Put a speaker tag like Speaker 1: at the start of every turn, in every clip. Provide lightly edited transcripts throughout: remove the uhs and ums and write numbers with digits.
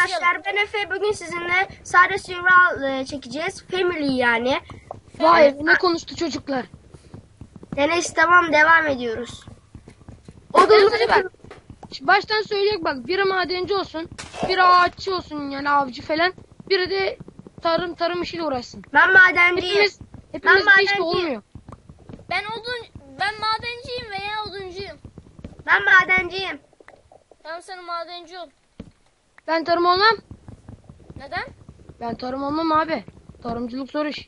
Speaker 1: arkadaşlar, ben Efe. Bugün sizinle sadece survival çekeceğiz. Family yani.
Speaker 2: Vay ne konuştu çocuklar.
Speaker 1: Neyse, tamam, devam ediyoruz.
Speaker 2: Hadi bak. Baştan söyleyek bak. Biri madenci olsun. Biri ağaççı olsun yani avcı falan. Biri de tarım işiyle uğraşsın.
Speaker 1: Ben madenciyim.
Speaker 2: Hepimiz
Speaker 1: Ben
Speaker 2: de işte
Speaker 1: madenciyim.
Speaker 2: olmuyor.
Speaker 3: Ben madenciyim veya oduncuyum.
Speaker 1: Ben madenciyim.
Speaker 3: Tamam, sen madenci ol.
Speaker 2: Ben tarım olmam.
Speaker 3: Neden?
Speaker 2: Ben tarım olmam abi. Tarımcılık zor iş.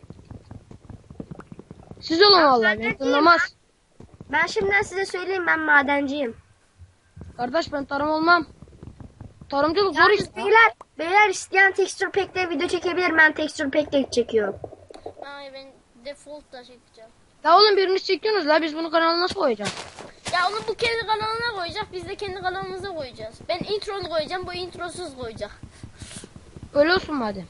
Speaker 2: Siz olun vallahi. Ben
Speaker 1: madenciyim
Speaker 2: tanımaz.
Speaker 1: Ben şimdiden size söyleyeyim, ben madenciyim.
Speaker 2: Kardeş ben tarım olmam. Tarımcılık zor iş.
Speaker 1: Beyler isteyen texture pack'te video çekebilir. Ben texture pack'te çekiyorum.
Speaker 3: Ay, ben default da çekeceğim.
Speaker 2: Ya oğlum birini çekiyorsunuz la, biz bunu kanala nasıl koyacağız?
Speaker 3: Ya onu bu kendi kanalına koyacak, biz de kendi kanalımıza koyacağız. Ben introlu koyacağım, bu introsuz koyacak.
Speaker 2: Öyle olsun madem.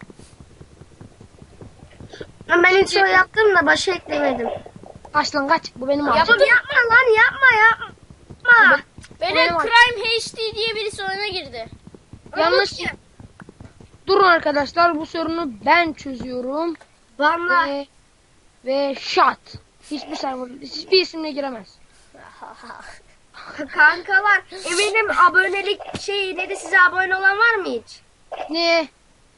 Speaker 1: Ben intro yaptım da başa eklemedim.
Speaker 2: Kaç lan kaç. Bu benim ağacım.
Speaker 1: Yapma lan, yapma.
Speaker 3: Böyle
Speaker 2: Benim
Speaker 3: Crime HD diye birisi oyuna girdi.
Speaker 2: Yanlış. Durun arkadaşlar, bu sorunu ben çözüyorum.
Speaker 1: Vallahi.
Speaker 2: Ve shot. Hiçbir isimle giremez.
Speaker 1: Kankalar, eminim abonelik neydi, size abone olan var mı hiç?
Speaker 2: Ne?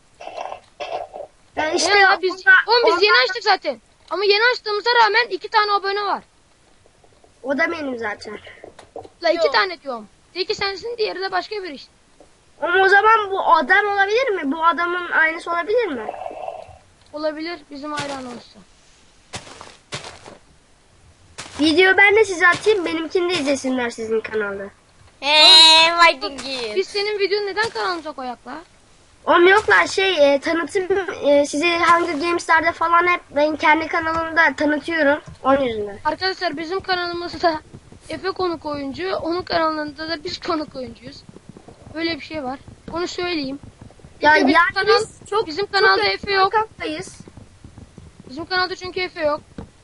Speaker 1: Ben
Speaker 2: İşte
Speaker 1: işte
Speaker 2: ya biz yeni açtık zaten. Ama yeni açtığımıza rağmen 2 tane abone var.
Speaker 1: O da benim zaten.
Speaker 2: La 2
Speaker 3: Yok.
Speaker 2: tane diyorum. Teki sensin, diğeri de başka bir iş.
Speaker 1: Ama o zaman bu adam olabilir mi? Bu adamın aynısı olabilir mi?
Speaker 2: Olabilir bizim hayran olursa.
Speaker 1: Video ben de size atayım, benimkini de izlesinler sizin kanalda.
Speaker 3: Viking'i.
Speaker 2: Biz senin videonu neden kanalımıza koyak la?
Speaker 1: Oğlum yoklar tanıtım, sizi Hunger Games'lerde falan hep ben kendi kanalımda tanıtıyorum. Onun yüzünden.
Speaker 2: Arkadaşlar bizim kanalımızda Efe konuk oyuncu, onun kanalında da biz konuk oyuncuyuz. Böyle bir şey var. Onu söyleyeyim.
Speaker 1: Ya
Speaker 2: Bizim
Speaker 1: yani
Speaker 2: kanal-
Speaker 1: biz çok
Speaker 2: bizim kanalda
Speaker 1: çok
Speaker 2: Efe yok.
Speaker 1: kankayız.
Speaker 2: Bizim kanalda çünkü Efe yok.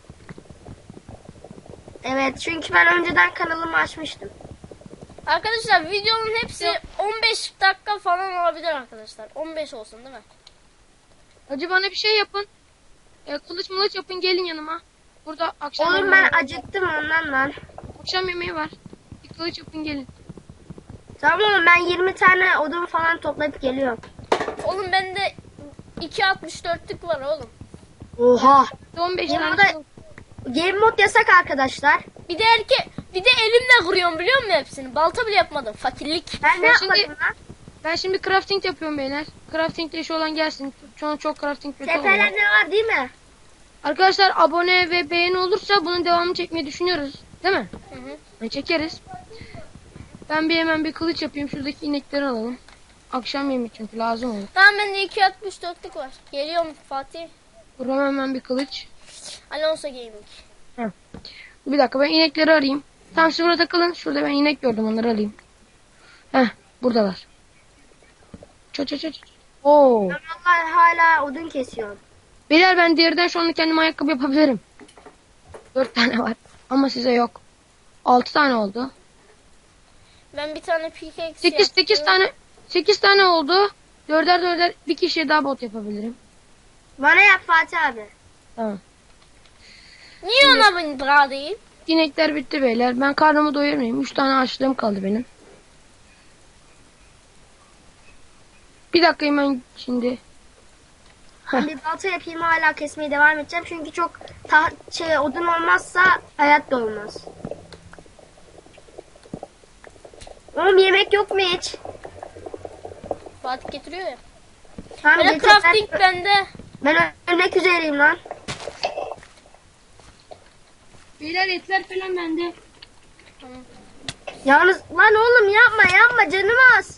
Speaker 1: Evet, çünkü ben önceden kanalımı açmıştım.
Speaker 3: Arkadaşlar videonun hepsi 15 dakika falan olabilir arkadaşlar. 15 olsun değil mi?
Speaker 2: Hacı bana bir şey yapın. Kılıç yapın, gelin yanıma. Burada akşam
Speaker 1: Oğlum
Speaker 2: yemeği
Speaker 1: ben
Speaker 2: var.
Speaker 1: acıktım ondan lan.
Speaker 2: Akşam yemeği var. Bir kılıç yapın gelin.
Speaker 1: Tamam oğlum, ben 20 tane odun falan toplayıp geliyorum.
Speaker 3: Oğlum bende 2.64'lük var oğlum.
Speaker 1: Oha.
Speaker 2: 15
Speaker 1: Game
Speaker 2: tane
Speaker 1: moda,
Speaker 2: kılıç.
Speaker 1: game mod yasak arkadaşlar.
Speaker 3: Bir de elimle vuruyorum, biliyor musun hepsini? Balta bile yapmadım. Fakirlik.
Speaker 1: Ben ne
Speaker 2: Ben şimdi-
Speaker 1: yapmadım lan?
Speaker 2: Ben şimdi crafting yapıyorum beyler. Crafting'de işi olan gelsin. Şu an çok crafting kötü oluyor.
Speaker 1: Tepeler ne var değil mi?
Speaker 2: Arkadaşlar abone ve beğeni olursa bunun devamını çekmeyi düşünüyoruz. Değil mi?
Speaker 3: Hı hı.
Speaker 2: Çekeriz. Ben hemen bir kılıç yapayım. Şuradaki inekleri alalım. Akşam yemeği çünkü lazım olur.
Speaker 3: Tamam, bende 2.64'lük var. Geliyorum Fatih.
Speaker 2: Dur hemen bir kılıç.
Speaker 3: Alonso Gaming.
Speaker 2: Bir dakika ben inekleri arayayım. Tam siz burada takılın. Şurada ben inek gördüm, onları alayım. Heh, buradalar. Çat. Oo.
Speaker 1: Ben vallahi hala odun kesiyorum.
Speaker 2: Beyler ben diğerden şu anda kendime ayakkabı yapabilirim. 4 tane var. Ama size yok. 6 tane oldu.
Speaker 3: Ben bir tane pickaxe
Speaker 2: 8 tane oldu. 4'er bir kişiye daha bot yapabilirim.
Speaker 1: Bana yap Fatih abi.
Speaker 2: Tamam.
Speaker 3: Niye ona ben daha değil?
Speaker 2: İnekler bitti beyler. Ben karnımı doyurmayayım. 3 tane açlığım kaldı benim. Bir dakika hemen şimdi.
Speaker 1: Ben bir balta yapayım, hala kesmeye devam edeceğim. Çünkü çok odun olmazsa hayat da olmaz. Oğlum yemek yok mu hiç?
Speaker 3: Fatih getiriyor ya.
Speaker 1: Tamam,
Speaker 3: Böyle
Speaker 1: getir,
Speaker 3: crafting bende.
Speaker 1: ben ölmek üzereyim lan.
Speaker 2: Beyler etler falan bende.
Speaker 1: Yalnız lan oğlum, yapma canım az.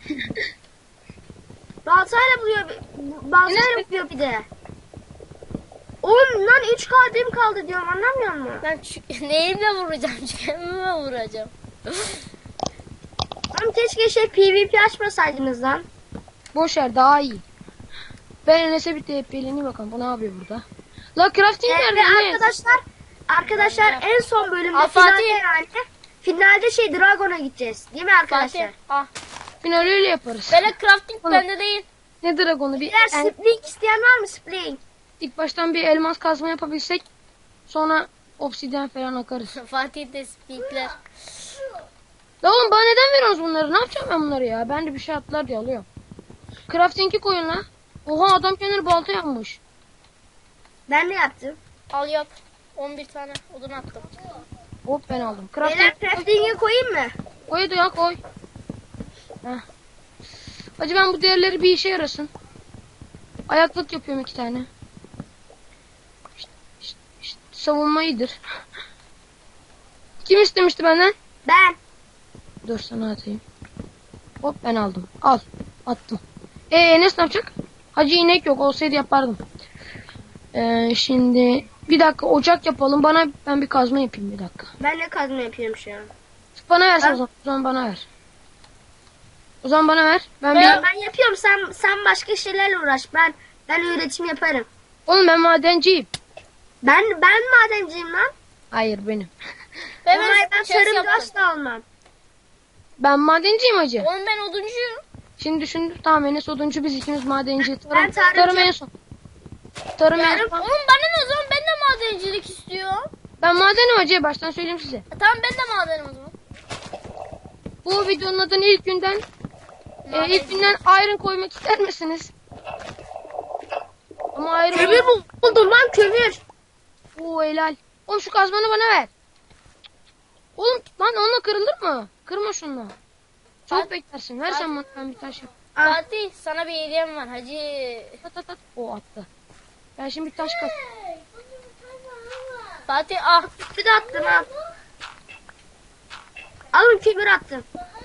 Speaker 1: Baltayla vuruyor bir de. Oğlum lan 3 kalbim kaldı diyorum, anlamıyor musun?
Speaker 3: Ben neyimle vuracağım? Kendime vuracağım.
Speaker 1: Oğlum keşke PvP açmasaydınız lan.
Speaker 2: Boş ver, daha iyi. Ben Enes'e bir TP'leneyim bakalım. Bu ne yapıyor burada? La crafting nerede
Speaker 1: Ve
Speaker 2: Enes?
Speaker 1: arkadaşlar en son bölümde
Speaker 3: Aa,
Speaker 1: finalde
Speaker 3: Fatih.
Speaker 1: finalde Dragon'a gideceğiz. Değil mi arkadaşlar?
Speaker 3: Fatih. Ah.
Speaker 2: Final öyle yaparız.
Speaker 3: Böyle crafting
Speaker 2: Oğlum.
Speaker 3: bende değil.
Speaker 2: Ne dragonu bir
Speaker 1: Beyler spring isteyen var mı spring?
Speaker 2: ilk baştan bir elmas kazma yapabilsek sonra obsidyen falan akarız.
Speaker 3: Fatih de speakler.
Speaker 2: La oğlum bana neden veriyorsunuz bunları? Ne yapacağım ben bunları ya? Ben de bir şey atlar diye alıyorum. Crafting'i koyun la. Oha adam kendini balta yapmış.
Speaker 1: Ben de yaptım.
Speaker 3: Al yap. 11 tane odun attım.
Speaker 2: Hop ben aldım.
Speaker 1: Beyler crafting'i koyayım mı?
Speaker 2: Koy hadi ya koy. Heh. Hacı ben bu değerleri bir işe yarasın. Ayaklık yapıyorum 2 tane. İşte savunma iyidir. Kim istemişti benden?
Speaker 1: Ben.
Speaker 2: Dur sana atayım. Hop ben aldım. Al. Attım. Enes ne yapacak? Hacı inek yok. Olsaydı yapardım. Şimdi bir dakika ocak yapalım. Ben bir kazma yapayım bir dakika.
Speaker 1: Ben de kazma yapıyorum şu an.
Speaker 2: Bana versen o zaman. O zaman bana ver. O zaman bana ver.
Speaker 1: Ben yapıyorum. Sen başka şeylerle uğraş. Ben üretim yaparım.
Speaker 2: Oğlum ben madenciyim.
Speaker 1: Ben madenciyim lan.
Speaker 2: Hayır benim.
Speaker 3: Ve
Speaker 1: Ama ben
Speaker 3: chest
Speaker 1: tarımda
Speaker 3: yaptım.
Speaker 1: asla olmam.
Speaker 2: Ben madenciyim hacı.
Speaker 3: Oğlum ben oduncuyum.
Speaker 2: Şimdi düşündüm. Tamam Enes oduncu biz ikimiz madenci.
Speaker 1: Ben tarımcı.
Speaker 2: Tarım en son. Tarım en son.
Speaker 3: Oğlum bana ne o zaman, ben de madencilik istiyorum.
Speaker 2: Ben madenim hacı. Baştan söyleyeyim size.
Speaker 3: Tamam ben de madenim o zaman.
Speaker 2: Bu videonun adını ilk günden iron koymak ister misiniz? Ama iron...
Speaker 1: Kömür buldum lan kömür.
Speaker 2: Oo helal. Oğlum şu kazmanı bana ver. Oğlum lan onunla kırılır mı? Kırma şunla. Çok beklersin. Ver sen bana ben bir taş yap.
Speaker 1: Ah.
Speaker 3: Fatih sana bir hediyem var hacı.
Speaker 2: At. O attı. Ben şimdi bir taş kat.
Speaker 3: Fatih ah.
Speaker 1: Bir de attım al. Alın kömür attım.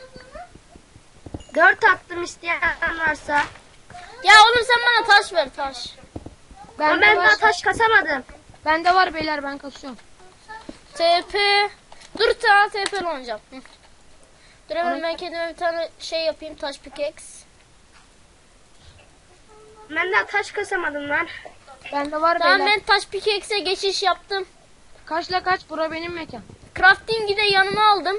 Speaker 1: 4 attım isteyen varsa.
Speaker 3: Ya oğlum sen bana taş ver taş.
Speaker 1: Ama ben daha taş kasamadım.
Speaker 2: Bende var beyler ben kasıyorum.
Speaker 3: TP. Dur ta TP olacağım. Hı. Dur hemen ben kendime bir tane şey yapayım, taş pickaxe.
Speaker 1: Ben daha taş kasamadım lan.
Speaker 2: Bende var
Speaker 3: Tamam
Speaker 2: beyler.
Speaker 3: ben taş pickaxe'e geçiş yaptım.
Speaker 2: Kaçla kaç bura benim mekan.
Speaker 3: Crafting'i de yanıma aldım.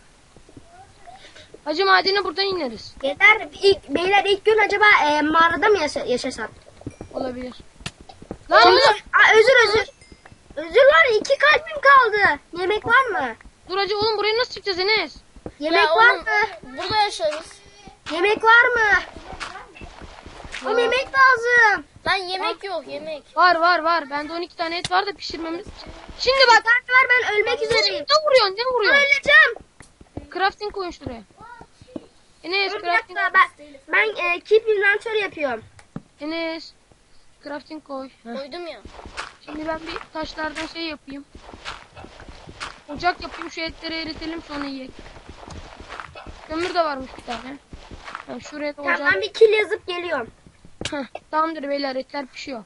Speaker 2: Hacı madene buradan ineriz.
Speaker 1: Beyler ilk gün acaba mağarada mı yaşasak?
Speaker 2: Olabilir. Lan oğlum.
Speaker 1: Özür. Özür var 2 kalbim kaldı. Yemek var mı?
Speaker 2: Dur hacı oğlum buraya nasıl çıkacağız Enes?
Speaker 1: Yemek
Speaker 3: Ya
Speaker 1: var
Speaker 3: oğlum,
Speaker 1: mı?
Speaker 3: burada yaşarız.
Speaker 1: Yemek var mı? Oğlum yemek lazım.
Speaker 3: Lan yemek yok yemek.
Speaker 2: Var. Bende 12 tane et var da pişirmemiz. Şimdi
Speaker 1: Bir
Speaker 2: bak.
Speaker 1: tane var ben ölmek üzereyim.
Speaker 2: Ne vuruyorsun?
Speaker 1: Öleceğim.
Speaker 2: Crafting koyun şuraya. Enes
Speaker 1: Dur bir
Speaker 2: crafting.
Speaker 1: dakika ben keep inventory yapıyorum.
Speaker 2: Enes. Crafting koy. Heh.
Speaker 3: Koydum ya.
Speaker 2: Şimdi ben bir taşlardan şey yapayım. Ocak yapayım şu etleri eritelim sonra yiyelim. Kömür de varmış bir tane. Ben şuraya da
Speaker 1: Tamam
Speaker 2: ocak.
Speaker 1: ben bir kill yazıp geliyorum.
Speaker 2: Heh, tamamdır beyler etler pişiyor.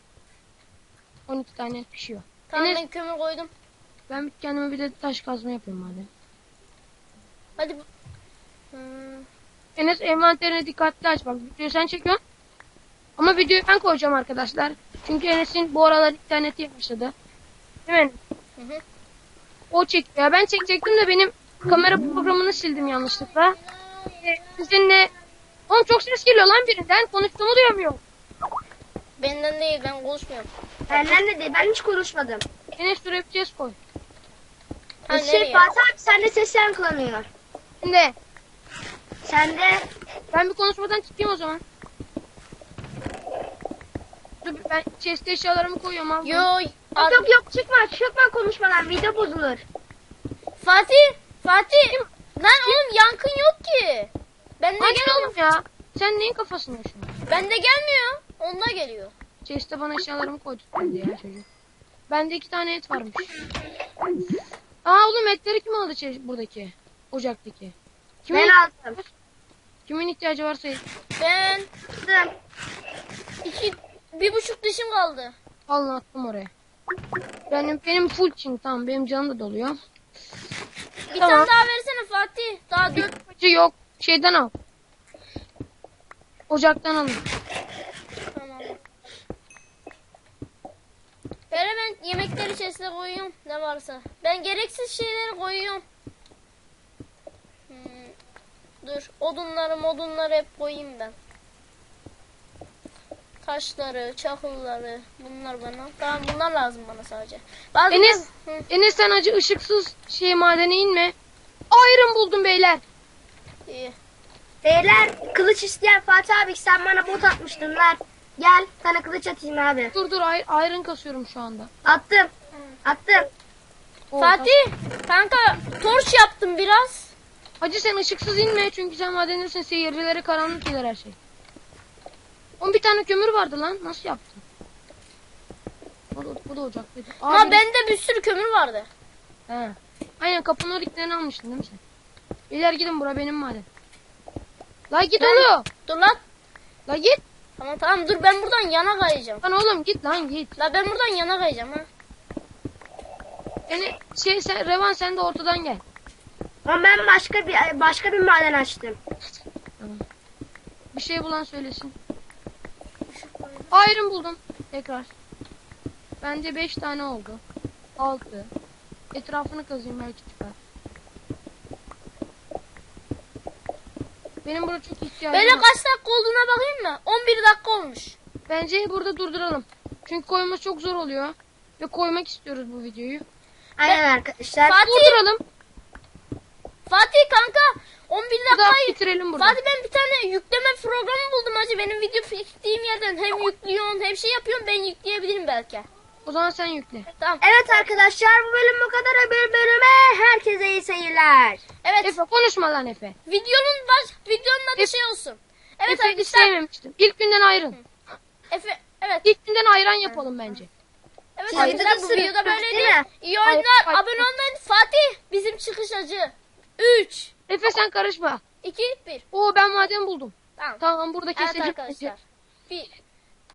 Speaker 2: 12 tane et pişiyor.
Speaker 3: Tamam
Speaker 2: Enes
Speaker 3: ben kömür koydum.
Speaker 2: ben kendime bir de taş kazma yapayım madem.
Speaker 3: Hadi. Hmm.
Speaker 2: Enes envanterine dikkatli aç bak. Videoyu sen çekiyorsun. Ama videoyu ben koyacağım arkadaşlar. Çünkü Enes'in bu aralar interneti başladı. Değil mi?
Speaker 3: Hı hı.
Speaker 2: O çekiyor. Ben çekecektim de benim kamera programını sildim yanlışlıkla. Sizinle... Oğlum çok ses geliyor lan birinden. Konuştuğumu duyamıyorum.
Speaker 3: Benden değil, ben konuşmuyorum.
Speaker 1: Benden de değil ben hiç konuşmadım.
Speaker 2: Enes şuraya bir ses koy.
Speaker 3: Ha, nereye?
Speaker 1: Fatih abi sende ses yankılanıyor.
Speaker 2: Şimdi
Speaker 1: Sende
Speaker 2: ben bir konuşmadan çıkayım o zaman. Dur ben chest eşyalarımı koyuyorum abi.
Speaker 1: yok çıkma konuşmadan video bozulur.
Speaker 3: Fatih. Lan oğlum yankın yok ki. Bende
Speaker 2: Açın
Speaker 3: gelmiyor.
Speaker 2: oğlum ya. Sen neyin kafasını yaşıyorsun?
Speaker 3: Bende gelmiyor. Onda geliyor.
Speaker 2: Chest'e bana eşyalarımı koydu dedi ya çocuk. Bende 2 tane et varmış. Aa oğlum etleri kim aldı buradaki? Ocaktaki.
Speaker 1: Ben aldım.
Speaker 2: Kimin ihtiyacı varsa
Speaker 3: Ben
Speaker 1: Aldım.
Speaker 3: 1,5 dişim kaldı.
Speaker 2: alın attım oraya. Benim full çin tamam benim canım da doluyor.
Speaker 3: Bir
Speaker 2: Tamam.
Speaker 3: tane daha versene Fatih. Daha 4.
Speaker 2: Acı yok. Şeyden al. Ocaktan alın.
Speaker 3: Tamam. Böyle ben yemekleri içerisine koyuyorum. Ne varsa. Ben gereksiz şeyleri koyuyorum. Dur. Odunları hep koyayım ben. Taşları, çakılları, bunlar bana. Tamam, bunlar lazım bana sadece. Bazı
Speaker 2: Enes,
Speaker 3: Hı.
Speaker 2: Enes sen acı ışıksız madene inme. Iron buldum beyler.
Speaker 3: İyi.
Speaker 1: Beyler kılıç isteyen Fatih abi sen bana bot atmıştın ver. Gel sana kılıç atayım abi.
Speaker 2: Dur iron kasıyorum şu anda.
Speaker 1: Attım. Attım.
Speaker 2: Oo,
Speaker 3: Fatih, kanka torç yaptım biraz.
Speaker 2: Hacı sen ışıksız inme çünkü sen madendesin. Seyircilere karanlık gelir her şey. 11 tane kömür vardı lan. Nasıl yaptın? Bu da ocaklıydı.
Speaker 3: Ama bende bir sürü kömür vardı.
Speaker 2: He. Aynen kapının oriklerini almıştın değil mi sen? Beyler gidin bura benim maden. La git oğlum.
Speaker 3: Dur lan.
Speaker 2: La git.
Speaker 3: Tamam dur, ben buradan yana kayacağım.
Speaker 2: Lan oğlum git lan git.
Speaker 3: La ben buradan yana kayacağım ha.
Speaker 2: Yani sen Revan sen de ortadan gel.
Speaker 1: Ama ben başka bir maden açtım.
Speaker 2: Tamam. Bir şey bulan söylesin. Iron buldum. Tekrar. Bende 5 tane oldu. 6. Etrafını kazayım belki çıkar. Benim burada çok ihtiyacım
Speaker 3: Böyle
Speaker 2: var.
Speaker 3: kaç dakika olduğuna bakayım mı? 11 dakika olmuş.
Speaker 2: Bence burada durduralım. Çünkü koyması çok zor oluyor. Ve koymak istiyoruz bu videoyu.
Speaker 1: Aynen arkadaşlar.
Speaker 2: Durduralım.
Speaker 3: Fatih kanka 11
Speaker 2: Bu da
Speaker 3: dakikayı.
Speaker 2: bitirelim burada.
Speaker 3: Fatih ben bir tane yükleme programı buldum hacı. Benim video çektiğim yerden hem yüklüyorsun hem şey yapıyorsun, ben yükleyebilirim belki.
Speaker 2: O zaman sen yükle.
Speaker 3: Tamam.
Speaker 1: Evet arkadaşlar bu bölüm bu kadar. Bir bölüme herkese iyi seyirler.
Speaker 3: Evet.
Speaker 2: Efe konuşma lan Efe.
Speaker 3: Videonun adı şey olsun. Evet
Speaker 2: Efe'yi
Speaker 3: arkadaşlar.
Speaker 2: sevmemiştim. İlk günden ayrın.
Speaker 3: Evet.
Speaker 2: İlk günden ayran yapalım bence.
Speaker 3: Evet
Speaker 1: Sayıda
Speaker 3: arkadaşlar
Speaker 1: da
Speaker 3: bu
Speaker 1: sırık
Speaker 3: videoda
Speaker 1: değil
Speaker 3: böyleydi.
Speaker 1: mi?
Speaker 3: İyi oyunlar.
Speaker 2: Hayır.
Speaker 3: Abone olmayın. Fatih bizim çıkış acı. 3,
Speaker 2: Efe sen karışma.
Speaker 3: 2, 1.
Speaker 2: Oo ben maden buldum.
Speaker 3: Tamam.
Speaker 2: Tamam burada
Speaker 3: Evet
Speaker 2: keselim.
Speaker 3: arkadaşlar. Bir